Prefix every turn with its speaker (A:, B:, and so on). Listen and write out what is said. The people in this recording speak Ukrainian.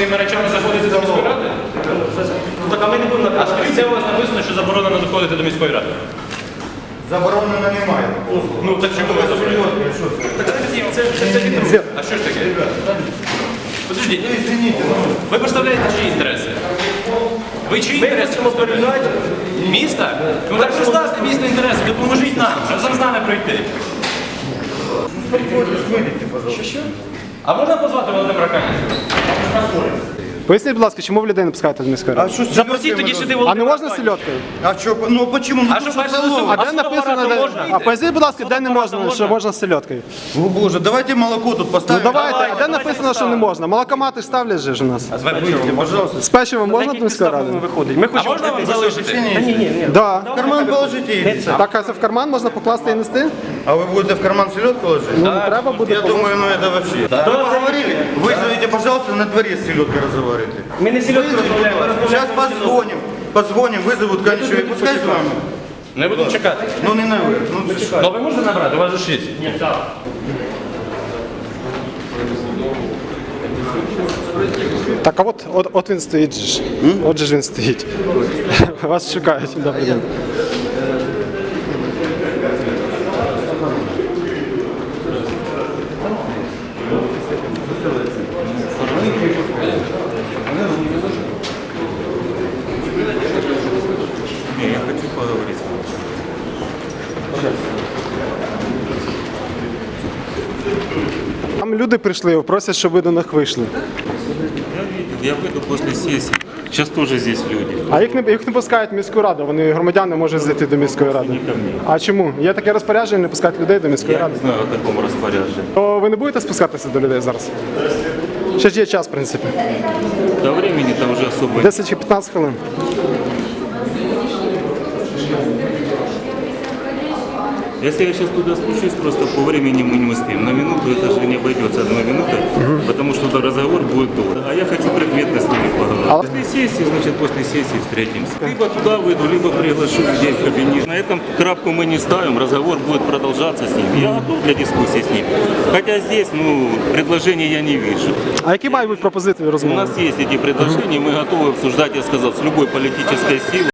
A: своїми речами заходити до міської ради?
B: Так, а ми не будемо
A: А скажіть, це у вас написано, що заборонено заходити до міської ради?
C: Заборонено немає.
A: Ну так чому ви заборонено? Так це відео. А що ж таке? Подождіть, ви представляєте чиї інтереси? Ви чиї інтереси представляєте? Міста? Ну так представте місто інтереси, допоможіть нам, разом з нами пройти.
C: Выйдите, пожалуйста.
A: Що? А можна позвати Володимира Каніна?
D: Поясніть, будь ласка, чому ви людей не пускаєте до міської ради?
C: А что с
A: Запросіть
C: селёдкой
A: тоді
C: можно?
A: сюди
D: А
A: Володимира
D: не можна
A: Каніна.
D: сельодкою?
C: А что? Ну почему? Ну
A: А
C: тут
A: що
C: что
A: бачите,
C: салон?
D: А
A: А
D: де
A: з
D: написано,
A: фотоапаратом можна?
D: а поясніть, будь ласка, де не можна, що можна з сельодкою?
C: О боже, давайте молоко тут
D: Ну
C: поставим.
D: давайте, а де написано, що не можна? Молокомати ж ставлять же ж у нас.
C: Выйдите, пожалуйста.
D: З печивом можна до міської ради?
A: А можна вам залишити?
D: Да.
C: В карман положите и идите.
D: Так, а це в карман можна покласти і нести?
C: А вы будете в карман селедку ложить?
D: Ну, не треба буде.
C: Я думаю, ну это вообще. Вы поговорили? Вызовите, пожалуйста, на дворе с селедкой разговаривайте.
B: Ми не сільотку розмовляємо.
C: Сейчас позвоним, вызовут конечно, и пускай с вами.
A: Не будемо чекати.
C: Ну не наверх, ну це ж.
A: Ну ви можете набрати, у вас же ж є.
D: Так, а от він стоїть же ж. От же ж він стоїть. Вас шукають. Добрий день.
E: Я хочу поговорить с вами.
D: Там люди прийшли, просять, щоб ви до них вийшли.
E: Я выйду после сессии. Сейчас тоже здесь люди.
D: А їх не пускають в міську раду, вони громадяни можуть зайти до міської ради.
E: Не ко мне.
D: А чому? Є таке розпорядження не пускати людей до міської
E: Я
D: ради.
E: не знаю о таком распоряжении.
D: То ви не будете спускатися до людей зараз? Ще ж є час, в принципі.
E: До времени-то уже особо нет.
D: 10 чи 15 хвилин.
E: Если я сейчас туда спущусь, просто по времени мы не успеем. На минуту это же не обойдется одной минутой, потому что туда разговор будет долго. А я хочу предметно с ними поговорить. После сессии, значит, после сессии встретимся. Либо туда выйду, либо приглашу людей в кабинет. На этом крапку мы не ставим, разговор будет продолжаться с ними. Я готов для дискуссии с ними. Хотя здесь, ну, предложений я не вижу.
D: А які мають бути пропозиції
E: У
D: розмови?
E: нас есть эти предложения, мы готовы обсуждать, я сказал, с любой политической силой.